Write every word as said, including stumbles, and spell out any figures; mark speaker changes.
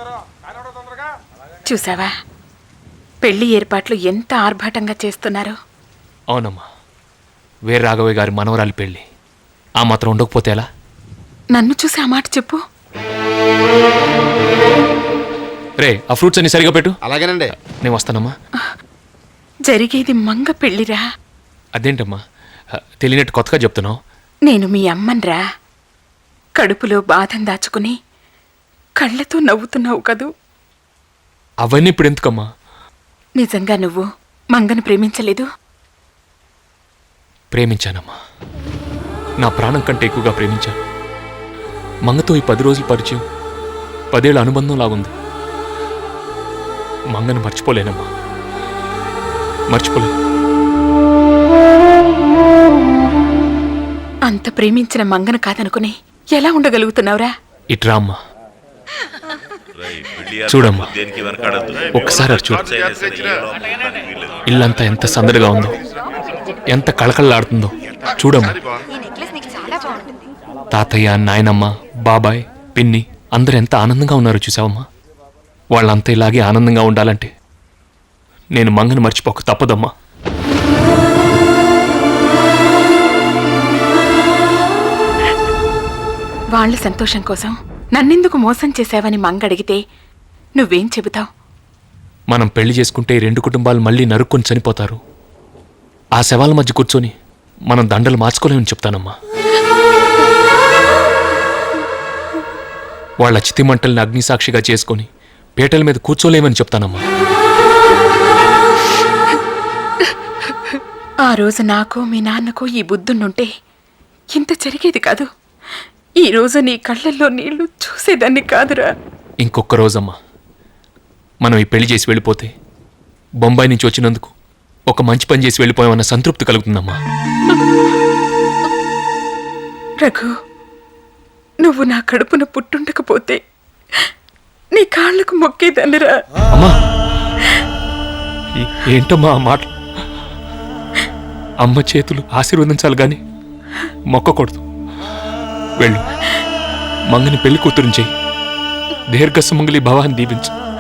Speaker 1: చూసావా పెళ్లి ఏర్పాట్లు ఎంత ఆర్భాటంగా చేస్తున్నారు.
Speaker 2: అవునమ్మా, వీర రాఘవయ్య గారి మనవరాలి పెళ్ళి ఆ మాత్రం ఉండకపోతే ఎలా?
Speaker 1: నన్ను చూసి ఆ మాట చెప్పు.
Speaker 2: రే, ఆ ఫ్రూట్స్ అన్ని సరిగా పెట్టు.
Speaker 3: అలాగేనండి.
Speaker 2: నేను వస్తానమ్మా.
Speaker 1: జరిగేది మంగ పెళ్లిరా.
Speaker 2: అదేంటమ్మా తెలియనట్టు కొత్తగా చెప్తున్నావు?
Speaker 1: నేను మీ అమ్మన్రా. కడుపులో బాధను దాచుకుని కళ్ళతో నవ్వుతున్నావు కదూ.
Speaker 2: అవన్నీ ఇప్పుడు ఎందుకమ్మా?
Speaker 1: నిజంగా నువ్వు మంగను ప్రేమించలేదు?
Speaker 2: ప్రేమించానమ్మా, నా ప్రాణం కంటే ఎక్కువగా ప్రేమించాను. మంగతో ఈ పది రోజుల పరిచయం పదేళ్ల అనుబంధం లాగుంది. మంగను మర్చిపోలేనమ్మా, మర్చిపోలేను.
Speaker 1: అంత ప్రేమించిన మంగను కాదనుకుని ఎలా ఉండగలుగుతున్నావురా?
Speaker 2: ఇట్రా అమ్మా, చూడమ్మా, ఒక్కసారి అటు చూడు. ఇల్లంతా ఎంత సందడిగా ఉందో, ఎంత కళకళలాడుతుందో చూడమ్మా. తాతయ్య, నాయనమ్మ, బాబాయ్, పిన్ని అందరూ ఎంత ఆనందంగా ఉన్నారు చూసావమ్మా. వాళ్ళంతా ఇలాగే ఆనందంగా ఉండాలంటే నేను మంగను మర్చిపోక తప్పదమ్మా.
Speaker 1: వాళ్ళ సంతోషం కోసం నన్నెందుకు మోసం చేశావని మంగ అడిగితే నువ్వేం చెబుతావు?
Speaker 2: మనం పెళ్లి చేసుకుంటే రెండు కుటుంబాలు మళ్ళీ నరుక్కొని చనిపోతారు. ఆ శవాల మధ్య కూర్చొని మనం దండలు మార్చుకోలేమని చెప్తానమ్మా. వాళ్ళ చితిమంటల్ని అగ్నిసాక్షిగా చేసుకొని పీటల మీద కూర్చోలేమని చెప్తానమ్మా.
Speaker 1: ఆ రోజు నాకు మీ నాన్నకు ఈ బుద్ధుండుంటే ఇంత జరిగేది కాదు. ఈ రోజు నీ కళ్ళల్లో నీళ్లు చూసేదాన్ని కాదురా.
Speaker 2: ఇంకొక రోజమ్మా, మనం ఈ పెళ్లి చేసి వెళ్ళిపోతే బొంబాయి నుంచి వచ్చినందుకు ఒక మంచి పని చేసి వెళ్ళిపోయామన్న సంతృప్తి కలుగుతుందమ్మా.
Speaker 1: రఘు, నువ్వు నా కడుపున పుట్టుండకపోతే నీ కాళ్లకు మొక్కేదాన్నిరా.
Speaker 2: అమ్మా, ఏంటమ్మా ఆ మాట? అమ్మ చేతులు ఆశీర్వదించాలి గాని మొక్కకూడదు. వెళ్ళు, మంగని పెళ్లి కూతురుని చెయ్యి. దీర్ఘ సుమంగళి భవాన్ని దీవించు.